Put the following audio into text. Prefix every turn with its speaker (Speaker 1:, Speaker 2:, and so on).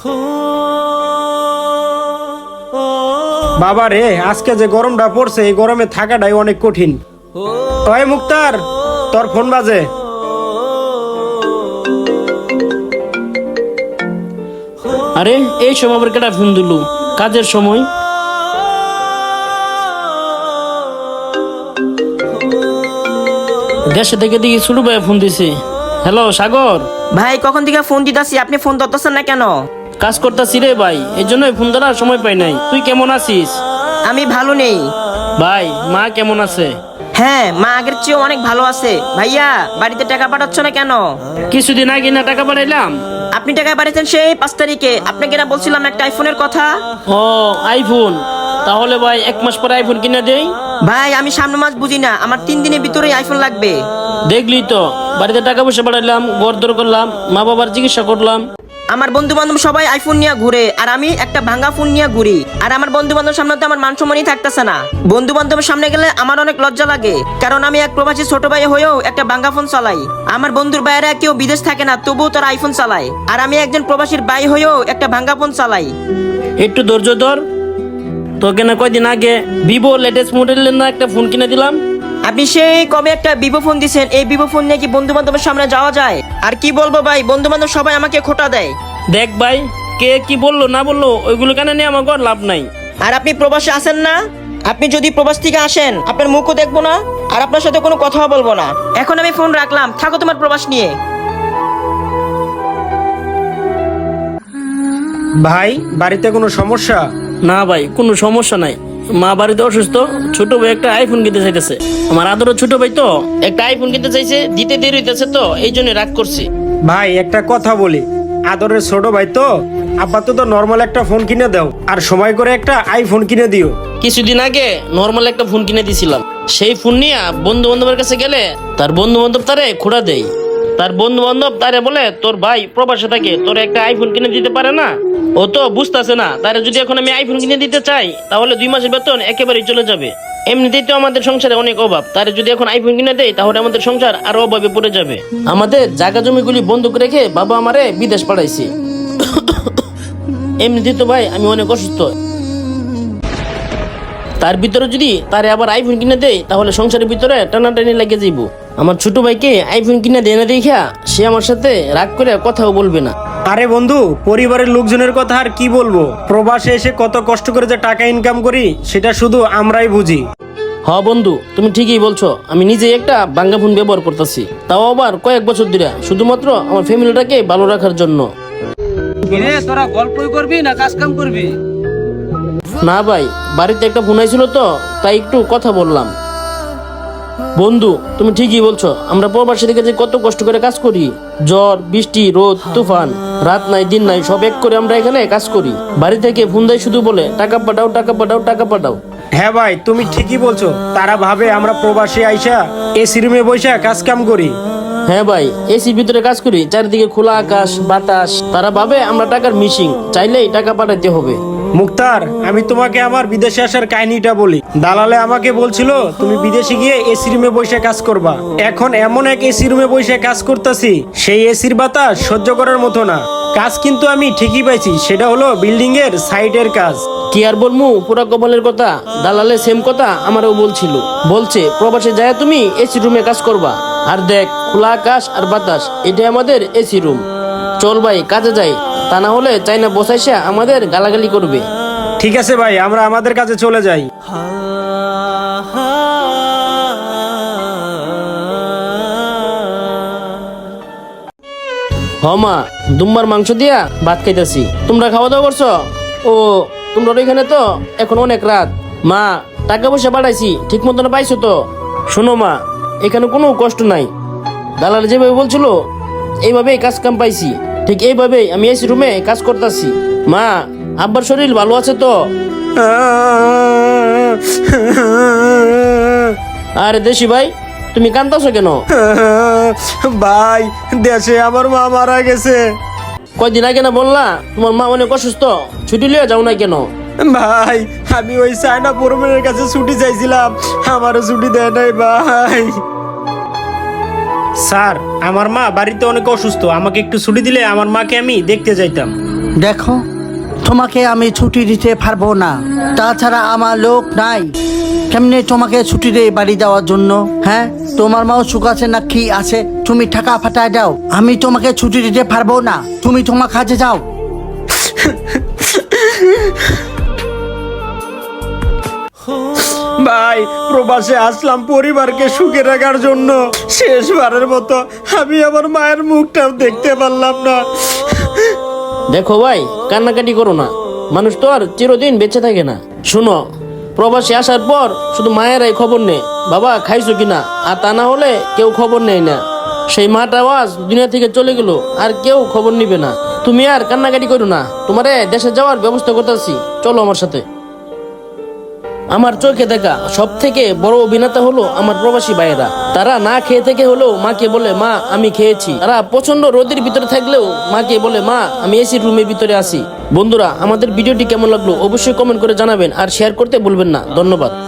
Speaker 1: বাবা রে, আজকে যে গরমটা পড়ছে এই গরমে থাকাটাই অনেক কঠিন। ওই মুক্তার, তোর ফোন বাজে।
Speaker 2: আরে এই সময় আবার কেটা ফোন দিল? কাজের সময়। দেশে থেকে দেখি ছোট ভাই ফোন দিছে। হ্যালো সাগর
Speaker 3: ভাই, কখন থেকে ফোন দিতাছি, আপনি ফোন ধরতেছেন না কেন?
Speaker 2: কাজ করতেছি রে ভাই, এই জন্যই ফোন ধরার সময় পাই নাই। তুই কেমন আছিস?
Speaker 3: আমি ভালো নেই
Speaker 2: ভাই, মা কেমন আছে?
Speaker 3: হ্যাঁ, মা আগের চেয়ে অনেক ভালো আছে। ভাইয়া, বাড়িতে টাকা পাঠাচ্ছ না কেন?
Speaker 2: কিছুদিন আগে না টাকা পাঠাইলাম।
Speaker 3: আপনি টাকা পাঠিয়েছেন সেই 5 তারিখে। আপনাকে না বলছিলাম একটা আইফোনের কথা?
Speaker 2: ও আইফোন, তাহলে ভাই 1 মাস পরে আইফোন কিনে দেই।
Speaker 3: ভাই, আমি সামনে মাস বুঝি না, আমার 3 দিনের ভিতরেই আইফোন লাগবে।
Speaker 2: দেখলি তো, বাড়িতে টাকা পয়সা পাঠাইলাম, ঘর দর করলাম, মা বাবার চিকিৎসা করলাম।
Speaker 3: আমার বন্ধু বান্ধব সবাই আইফোন নিয়ে ঘুরে, আর আমি একটা ভাঙা ফোন নিয়ে ঘুরি। আর আমার বন্ধু বান্ধব সামনে তো আমার মান সম্মানই থাকতেছে না। বন্ধু বান্ধবের সামনে গেলে আমার অনেক লজ্জা লাগে, কারণ আমি এক প্রবাসী ছোট ভাই হয়েও একটা ভাঙা ফোন চালাই। আমার বন্ধুর বাইরে কেউ বিদেশ থাকে না, তবুও তারা আইফোন চালায়, আর আমি একজন প্রবাসীর ভাই হয়েও একটা ভাঙা ফোন চালাই।
Speaker 2: একটু ধৈর্য ধর। তোকে না কয়দিন আগে ভিভো লেটেস্ট মডেলের না একটা ফোন কিনে দিলাম।
Speaker 3: আপনি সেই কবে একটা ভিভো ফোন দিছেন, এই ভিভো ফোন নিয়ে কি বন্ধু বান্ধবের সামনে যাওয়া যায়? আর কি বলবো ভাই, বন্ধু বান্ধব সবাই আমাকে খোটা দেয়।
Speaker 2: দেখ ভাই, কে কি বললো না বললো ওইগুলো কেন নিয়ে আমার ঘর লাভ নাই।
Speaker 3: আর আপনি প্রবাসে আসেন না? আপনি যদি প্রবাস থেকে আসেন, আপনার মুখও দেখবো না, আর আপনার সাথে কোনো কথাও বলবো না। এখন আমি ফোন রাখলাম, থাকো তোমার প্রবাস নিয়ে।
Speaker 1: ভাই, বাড়িতে কোনো সমস্যা?
Speaker 2: না ভাই, কোনো সমস্যা নাই। মা বাড়িতে অসুস্থ, ছোট ভাই একটা আইফোন কিনতে চাইতেছে। আমার আদরের ছোট ভাই তো একটা আইফোন কিনতে চাইছে, দিতে দেরি হইতেছে, তো এই জন্য রাগ করছি।
Speaker 1: ভাই, একটা কথা বলি, আদরের ছোট ভাই তো, আপাতত নর্মাল একটা ফোন কিনে দাও, আর সময় করে একটা আইফোন কিনে দিও।
Speaker 2: কিছুদিন আগে নর্মাল একটা ফোন কিনে দিছিলাম, সেই ফোন নিয়ে বন্ধু বান্ধবের কাছে গেলে তার বন্ধু বান্ধব তারে খোড়া দেয়। তার বন্ধু বান্ধব তারে বলে, তোর ভাই প্রবাসে থাকে, তোর একটা আইফোন কিনে দিতে পারে না। ও তো বুঝতেছে না, তারে যদি এখন আমি আইফোন কিনে দিতে চাই, তাহলে 2 মাসের বেতন একেবারেই চলে যাবে। এমনিতেই তো আমাদের সংসারে অনেক অভাব, তারে যদি এখন আইফোন কিনে দেয়, তাহলে আমাদের সংসার আরো অভাবে পড়ে যাবে। আমাদের জায়গা জমিগুলি বন্ধক রেখে বাবা আমারে বিদেশ পাঠাইছে। এমনিতেই তো ভাই আমি অনেক অসুস্থ, তার ভিতরে যদি তারে আবার আইফোন কিনে দেয়, তাহলে সংসারের ভিতরে টানাটানি লেগে যাইব। আমার ছোট ভাইকে আইফোন কিনে দেয় না দেখা সে আমার সাথে রাগ করে কথাও বলবে না।
Speaker 1: আরে বন্ধু, পরিবারের লোকজনের কথা আর কি বলবো, প্রবাসে এসে কত কষ্ট করে যে টাকা ইনকাম করি সেটা শুধু আমরাই বুঝি।
Speaker 2: হ বন্ধু, তুমি ঠিকই বলছো। আমি নিজেই একটা বাঙ্গা ফোন ব্যবহার করতেছি, তাও আবার কয়েক বছর ধরে, শুধুমাত্র আমার ফ্যামিলিটাকে ভালো রাখার জন্য।
Speaker 4: তোরা গল্পই করবি না কাজ কাম করবি?
Speaker 2: না ভাই, বাড়িতে একটা ফোন আইছিল তো, তাই একটু কথা বললাম। বন্ধু, তুমি ঠিকই বলছো, আমরা প্রবাসী থেকে যে কত কষ্ট করে কাজ করি, ঝড় বৃষ্টি রোদ তুফান, রাত নাই দিন নাই, সব এক করে আমরা এখানে কাজ করি। বাড়ি থেকে ফোন দেয়, শুধু বলে টাকা পাঠাও টাকা পাঠাও টাকা পাঠাও।
Speaker 1: হ্যাঁ ভাই, তুমি ঠিকই বলছো, তারা ভাবে আমরা প্রবাসী আইসা এসি রুমে বসে কাজ কাম করি।
Speaker 2: হ্যাঁ ভাই, এসির ভিতরে কাজ করি, চারিদিকে খোলা আকাশ বাতাস। তারা ভাবে আমরা টাকার মিশিং, চাইলেই টাকা পাঠাইতে হবে।
Speaker 1: মুক্তার, আমি তোমাকে আমার বিদেশে আসার কাহিনীটা বলি। দালালে আমাকে বলছিল তুমি বিদেশে গিয়ে এসি রুমে বসে কাজ করবা। এখন এমন এক এসি রুমে বসে কাজ করতেছি, সেই এসির বাতাস সহ্য করার মতো না। কাজ কিন্তু আমি ঠিকই পাইছি, সেটা হলো বিল্ডিং এর সাইডের কাজ।
Speaker 2: কি আর বলমু, পুরা কপালের কথা। দালালে সেম কথা আমারও বলছিল, বলছে প্রবাসে যায় তুমি এসি রুমে কাজ করবা, আর দেখ খোলা আকাশ আর বাতাস, এটাই আমাদের এসি রুম। চল ভাই কাজে যাই, তা না হলে চাইনা বসাইসা আমাদের গালাগালি করবে।
Speaker 1: ঠিক আছে ভাই, আমরা আমাদের কাছে চলে যাই।
Speaker 2: মা, দুম্বার মাংস দিয়া ভাত খাইতেছি। তোমরা খাওয়া দাওয়া করছো? ও, তোমরা এখানে তো এখন অনেক রাত। মা, টাকা পয়সা পাঠাইছি, ঠিক মতন পাইছো তো? শোনো মা, এখানে কোনো কষ্ট নাই। দালাল যেভাবে বলছিল এইভাবেই কাজ কাম পাইছি, ঠিক এইভাবেই আমি এসি রুমে কাজ করতেছি। মা, আব্বার শরীর ভালো আছে তো? আরে দেশি ভাই, তুমি কান্দাছো কেন?
Speaker 1: ভাই, দেশে আমার মা মারা গেছে।
Speaker 2: কয়দিন আগে না বললা তোমার মা অনেক অসুস্থ, ছুটি লিয়ে যাও না কেন?
Speaker 1: ভাই, আমি ওই চায়না পরমের কাছে ছুটি চাইছিলাম, আমারও ছুটি দেয় নাই ভাই। স্যার, আমার মা বাড়িতে অনেক অসুস্থ, আমাকে একটু ছুটি দিলে আমার মাকে আমি দেখতে যাইতাম।
Speaker 5: দেখো, তোমাকে আমি ছুটি দিতে পারবো না, তাছাড়া আমার লোক নাই। কেমনে তোমাকে ছুটি দেই বাড়ি যাওয়ার জন্য? হ্যাঁ, তোমার মাও সুখ আছে না কি আছে, তুমি টাকা ফাটায় দাও। আমি তোমাকে ছুটি দিতে পারবো না, তুমি তোমার কাজে যাও।
Speaker 1: ভাই, প্রবাসে আসলাম পরিবারকে সুখে রাখার জন্য। শেষবারের মতো আমি আমার মায়ের মুখটাও দেখতে পারলাম না।
Speaker 2: দেখো ভাই, কান্নাকাটি করো না, মানুষ তো আর চিরদিন বেঁচে থাকে না। শুনো, প্রবাসে আসার পর শুধু মায়েরাই খবর নেই বাবা খাইছো কিনা, আর তা না হলে কেউ খবর নেয় না। সেই মাটা আওয়াজ দুনিয়া থেকে চলে গেল, আর কেউ খবর নিবে না। তুমি আর কান্নাকাটি করো না, তোমারে দেশে যাওয়ার ব্যবস্থা করতেছি, চলো আমার সাথে। আমার চোখে দেখা সব থেকে বড় অভিনেতা হলো আমার প্রবাসী ভাইয়েরা। তারা না খেয়ে থেকে হলেও মাকে বলে মা আমি খেয়েছি। তারা প্রচন্ড রোদের ভিতরে থাকলেও মাকে বলে মা আমি এসি রুমের ভিতরে আছি। বন্ধুরা, আমাদের ভিডিওটি কেমন লাগলো অবশ্যই কমেন্ট করে জানাবেন, আর শেয়ার করতে ভুলবেন না। ধন্যবাদ।